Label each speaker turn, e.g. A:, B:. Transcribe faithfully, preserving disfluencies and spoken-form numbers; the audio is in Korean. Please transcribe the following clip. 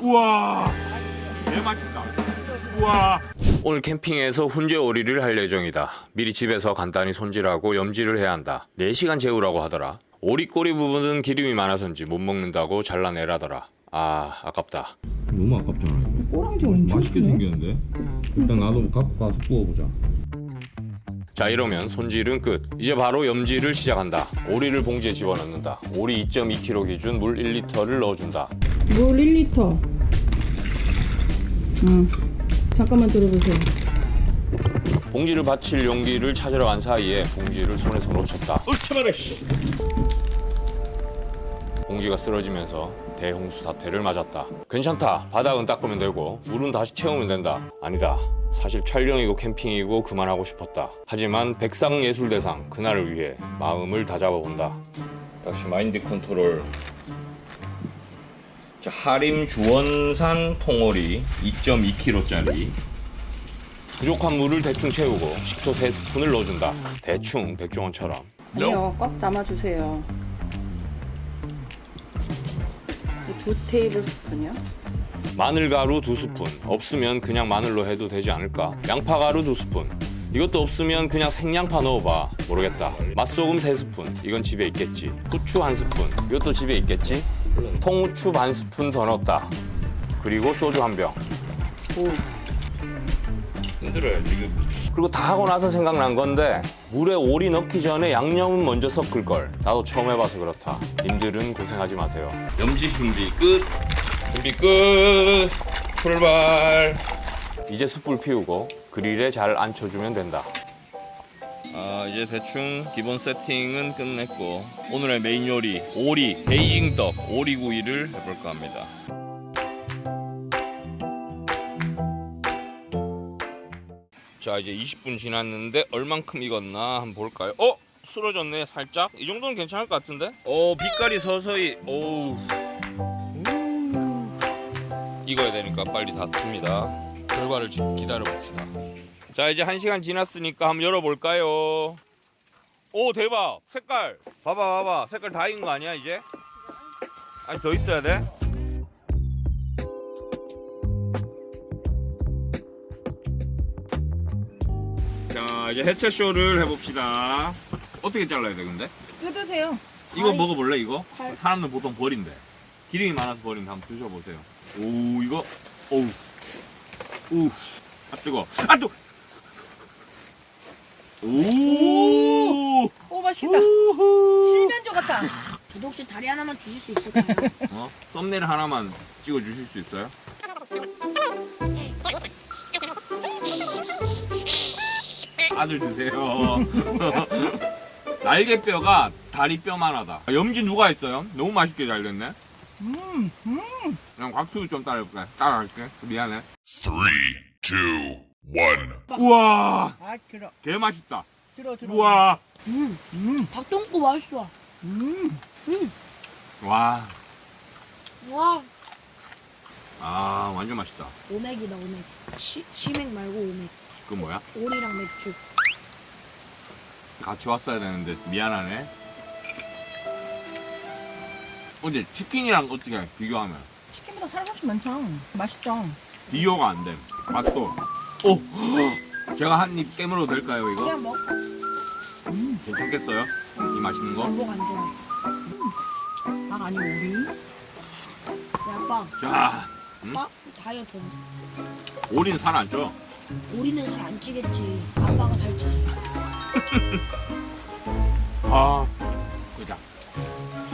A: 우와, 개 맛있다. 우와. 오늘 캠핑에서 훈제 오리를 할 예정이다. 미리 집에서 간단히 손질하고 염지를 해야 한다. 네 시간 재우라고 하더라. 오리 꼬리 부분은 기름이 많아서인지 못 먹는다고 잘라내라더라. 아, 아깝다.
B: 너무 아깝잖아 이거.
C: 꼬랑지 엄청
B: 맛있게
C: 크네.
B: 생겼는데? 일단 나도 갖고 가서 구워보자.
A: 자, 이러면 손질은 끝. 이제 바로 염지를 시작한다. 오리를 봉지에 집어넣는다. 오리 이 점 이 킬로그램 기준 물 일 리터를 넣어준다.
C: 물 일 리터. 응. 잠깐만 들어보세요.
A: 봉지를 받칠 용기를 찾으러 간 사이에 봉지를 손에서 놓쳤다.
B: 얼차가라 씨.
A: 봉지가 쓰러지면서 대홍수 사태를 맞았다. 괜찮다. 바닥은 닦으면 되고 물은 다시 채우면 된다. 아니다. 사실 촬영이고 캠핑이고 그만하고 싶었다. 하지만 백상예술대상 그날을 위해 마음을 다잡아본다. 다시 마인드 컨트롤. 자, 하림 주원산 통오리 이 점 이 킬로그램짜리. 부족한 물을 대충 채우고 식초 세 스푼을 넣어준다. 대충 백종원처럼.
C: 아니요, 꽉 담아주세요. 두 테이블 스푼이요?
A: 마늘가루 두 스푼. 없으면 그냥 마늘로 해도 되지 않을까? 양파가루 두 스푼. 이것도 없으면 그냥 생양파 넣어봐. 모르겠다. 맛소금 세 스푼. 이건 집에 있겠지. 후추 한 스푼. 이것도 집에 있겠지? 통후추 반 스푼 더 넣었다. 그리고 소주 한 병.
C: 오.
A: 흔들어요 지금. 그리고 다 하고 나서 생각난 건데 물에 오리 넣기 전에 양념은 먼저 섞을 걸. 나도 처음 해봐서 그렇다. 님들은 고생하지 마세요. 염지 준비 끝. 준비 끝. 출발. 이제 숯불 피우고 그릴에 잘 앉혀주면 된다. 아, 이제 대충 기본 세팅은 끝냈고 오늘의 메인 요리 오리 베이징 떡 오리구이를 해볼까 합니다. 자, 이제 이십 분 지났는데 얼만큼 익었나 한번 볼까요? 어? 쓰러졌네 살짝? 이 정도는 괜찮을 것 같은데? 어, 빛깔이 서서히 오우 익어야 되니까 빨리 닫습니다. 결과를 기다려봅시다. 자, 이제 한 시간 지났으니까 한번 열어볼까요? 오, 대박! 색깔! 봐봐 봐봐 색깔 다 익은 거 아니야 이제? 아니 더 있어야 돼? 자, 이제 해체쇼를 해봅시다. 어떻게 잘라야 돼 근데?
C: 뜯으세요.
A: 이거 먹어볼래 이거?
C: 팔.
A: 사람들 보통 버린대. 기름이 많아서 버린대. 한번 드셔보세요. 오, 이거 오우 우, 아 뜨거. 아 뜨거. 오,
C: 오, 맛있겠다.
A: 우후.
C: 칠면조 같다.
D: 저도 혹시 다리 하나만 주실 수 있을까요?
A: 어? 썸네일 하나만 찍어 주실 수 있어요? 아들 드세요. 날개뼈가 다리뼈만 하다. 염지 누가 했어요? 너무 맛있게 잘 됐네.
C: 음, 음.
A: 그냥 곽튜브 좀 따라해볼게. 따라할게. 미안해.
E: Three, two, one.
A: 우와,
C: 아, 들어.
A: 개 맛있다.
C: 들어, 들어.
A: 우와,
D: 음,
C: 음,
D: 박동구 맛있어.
C: 음.
D: 음,
A: 와,
D: 와,
A: 아 완전 맛있다.
D: 오맥이다 오맥. 치, 치맥 말고 오맥.
A: 그 뭐야?
D: 오리랑 맥주.
A: 같이 왔어야 되는데 미안하네. 어제 치킨이랑 어떻게 비교하면
C: 치킨보다 살 훨씬 많죠. 맛있죠.
A: 비교가 안 돼. 맛도. 오, 제가 한 입 깨물어도 될까요 이거?
D: 그냥 먹.
C: 음,
A: 괜찮겠어요? 이 맛있는 거?
D: 반복 안 좋아.
C: 닭 아니고 오리.
D: 야, 아빠,
A: 자, 응?
D: 아빠 다이어트.
A: 오리는 살 안 쪄.
D: 오리는 살 안 찌겠지. 아빠가 살찌지.
A: 아, 그자.